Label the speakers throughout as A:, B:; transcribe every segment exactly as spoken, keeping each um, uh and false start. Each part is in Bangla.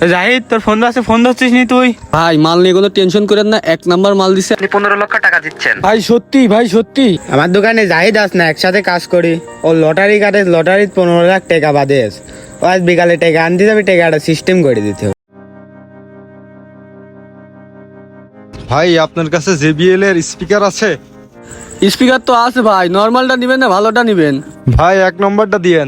A: জাহিদ, তোর ফোন আছে, ফোন ধরছিস নি তুই?
B: ভাই মাল নিয়ে কোনো টেনশন করেন না, এক নাম্বার মাল দিছে।
C: আপনি পনেরো লক্ষ টাকা দিচ্ছেন।
B: ভাই সত্যি, ভাই সত্যি।
A: আমার দোকানে জাহিদ আস না, একসাথে কাজ করি। ও লটারি কাটে, লটারিত পনেরো লাখ টাকা বাদে আস। ও আজ বিকালে টাকা আনতে যাবে, টাকাটা সিস্টেম করে দিতে হবে।
D: ভাই আপনার কাছে জেবিএল এর স্পিকার আছে?
B: স্পিকার তো আছে ভাই, নর্মালটা নিবেন না ভালোটা নিবেন?
D: ভাই এক নম্বরটা দিয়েন।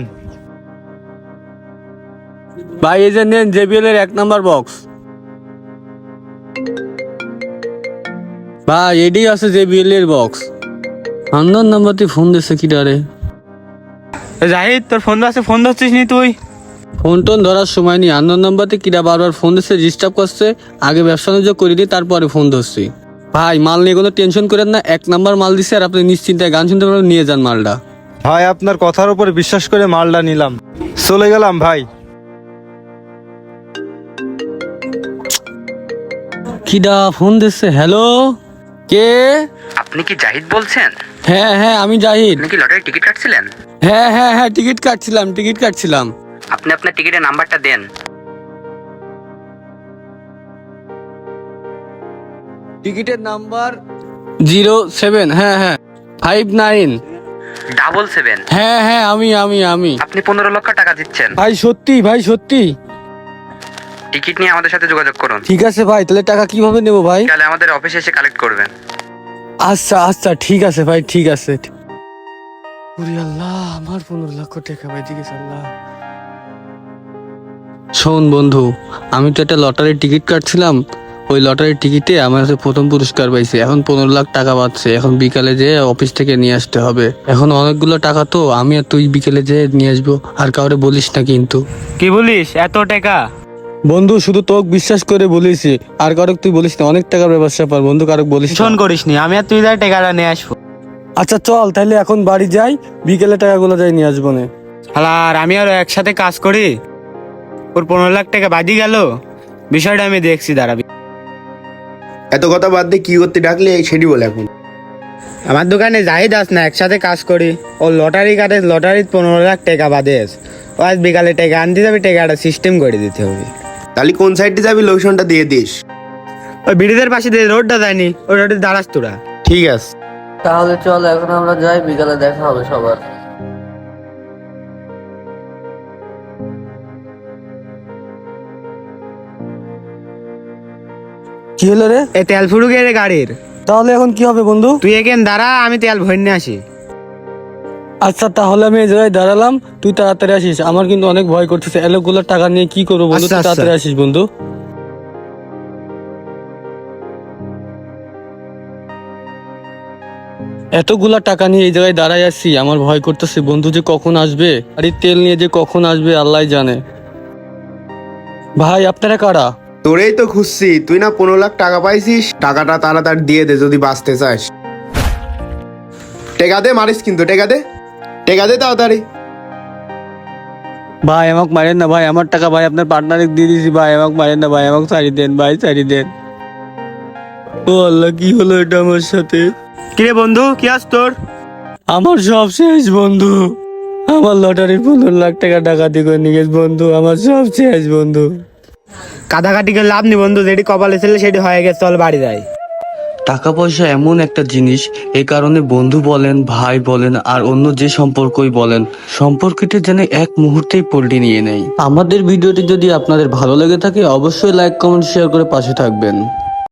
B: ভাই এই যে নেন জেবিএল এর এক নাম্বার বক্স। ভাই এডি আছে জেবিএল এর বক্স। আন্দন নাম্বারতে ফোন দিছে কি ডারে?
A: জাহিদ, তোর ফোন আছে, ফোন ধরছিস নি তুই?
B: ফোন টোন ধরার সময় নেই, আন্দন নাম্বারতে কিরা বারবার ফোন দিচ্ছে, ডিস্টার্ব করছে। আগে ব্যবসা বাণিজ্য করে দিই, তারপরে ফোন ধরছি। ভাই মাল নিয়ে কোনো টেনশন করেন না, এক নাম্বার মাল দিছে, আর আপনি নিশ্চিন্তায় গান শুনতে পারবেন, নিয়ে যান মালটা।
D: ভাই আপনার কথার উপর বিশ্বাস করে মালটা নিলাম, চলে গেলাম ভাই।
B: কিডা ফোন দিচ্ছে? হ্যালো, কে?
C: আপনি কি জাহিদ বলছেন?
B: হ্যাঁ হ্যাঁ আমি জাহিদ।
C: আপনি কি লটারি টিকিট কাটছিলেন?
B: হ্যাঁ হ্যাঁ হ্যাঁ টিকিট কাটছিলাম, টিকিট কাটছিলাম।
C: আপনি আপনার টিকিটের নাম্বারটা দেন।
B: টিকিটের নাম্বার জিরো সেভেন, হ্যাঁ হ্যাঁ ফাইভ নাইন
C: ডাবল সেভেন।
B: হ্যাঁ হ্যাঁ আমি আমি আমি
C: আপনি পনেরো লক্ষ টাকা দিচ্ছেন।
B: ভাই সত্যি, ভাই সত্যি।
C: টিকিট নিয়ে আমাদের সাথে যোগাযোগ করুন।
B: ঠিক আছে ভাই, তাহলে টাকা কিভাবে নেবো ভাই?
C: তাহলে আমাদের অফিসে এসে কালেক্ট করবেন।
B: আচ্ছা আচ্ছা ঠিক আছে ভাই, ঠিক আছে। ওরে আল্লাহ, আমার পনেরো লক্ষ টাকা ভাই, ঠিক আছে আল্লাহ। শোন বন্ধু, আমি তো একটা লটারির টিকিট কাটছিলাম, ওই লটারির টিকিটে আমার কাছে প্রথম পুরস্কার পাইছে। এখন পনেরো লাখ টাকা পাচ্ছে, এখন বিকালে যেয়ে অফিস থেকে নিয়ে আসতে হবে। এখন অনেকগুলো টাকা তো, আমি আর তুই বিকেলে যেয়ে নিয়ে আসবো, আর কাউরে বলিস না কিন্তু।
A: কি বলিস, এত টাকা?
B: বন্ধু শুধু তোকে বিশ্বাস করে বলিছি, আর কারক তুই বলিস না, অনেক টাকার ব্যবসা পার বন্ধু, কারক বলিস না।
A: ফোন করিস নি, আমি আর তুই যাই টাকাটা নিয়ে আসবো।
B: আচ্ছা চল তাহলে এখন বাড়ি যাই, বিকেলে টাকাগুলো যাই নিয়ে আসবো না।
A: আর আমি আর একসাথে কাজ করি, ওর পনেরো লাখ টাকা বাদি গেল। বিষয়টা আমি দেখছি, দাঁড়াবি।
E: এত কথা বাদ দিয়ে কি করতে ডাকলে সেটি বলে এখন।
A: আমার দোকানে জাহিদ আস না, একসাথে কাজ করি। ও লটারি কাটে, লটারিত পনেরো লাখ টাকা বাদে আস। ও আজ বিকালে টাকা আনতে যাবে, টাকাটা সিস্টেম করে দিতে হবে।
E: তাহলে কোন সাইডে যাবি লোকেশনটা দিয়ে দিস।
A: ওই ব্রিজের পাশে দিয়ে রোডটা যায়নি, ওই রোডে দাঁড়াস তোরা।
E: ঠিক আছে।
B: তাহলে চল এখন আমরা যাই, বিকালে দেখা হবে সবার। কি হলো রে?
A: এ তেল ফুরু গেলে গাড়ির।
B: তাহলে এখন কি হবে বন্ধু?
A: তুই এখানে দাঁড়া, আমি তেল ভরে নিয়ে আসি।
B: আচ্ছা তাহলে আমি এই জায়গায় দাঁড়ালাম, তুই তাড়াতাড়ি আসিস, আমার কিন্তু অনেক ভয় করতেছে। এলোগুলো টাকা নিয়ে কি করবো বন্ধু,
A: আচ্ছা,
B: তুই
A: আচ্ছা।
B: তাড়াতাড়ি আসিস বন্ধু। এতগুলা টাকা নিয়ে এই জায়গায় দাঁড়াই আছি, আমার ভয় করতেছে বন্ধু যে কখন আসবে, আর এই তেল নিয়ে যে কখন আসবে আল্লাহ জানে। ভাই আপনারা কারা?
E: তোরেই তো খুঁজছি, তুই না পনেরো লাখ টাকা পাইছিস, টাকাটা তাড়াতাড়ি দিয়ে দে যদি বাঁচতে চাস। টেকা দে, মারিস কিন্তু, টেকা দে, টেকা দে তাড়াতাড়ি।
B: ভাই আমাকে মারেন না ভাই, আমার টাকা ভাই আপনার পার্টনারে দিয়ে দিয়েছি ভাই, আমাকে মারেন না ভাই, আমাকে ছাড়ি দেন ভাই, ছাড়ি দেন। ও আল্লাহ, কি হলো এটা আমার সাথে?
A: কিরে বন্ধু, কি আস তোর?
B: আমার সব শেষ বন্ধু, আমার লটারির পনেরো লাখ টাকা ডাকাতি করে নিয়ে গেছে বন্ধু, আমার সব শেষ বন্ধু।
A: কাটাকাটি করে লাভ নি বন্ধু, যেটি কপালে ছিল সেটি হয়ে গেছে, চল বাড়ি যাই।
B: টাকা পয়সা এমন একটা জিনিস, এই কারণে বন্ধু বলেন, ভাই বলেন, আর অন্য যে সম্পর্কই বলেন, সম্পর্কটা যেন এক মুহূর্তেই পল্টি নিয়ে নেয়। আমাদের ভিডিওটি যদি আপনাদের ভালো লেগে থাকে, অবশ্যই লাইক কমেন্ট শেয়ার করে পাশে থাকবেন।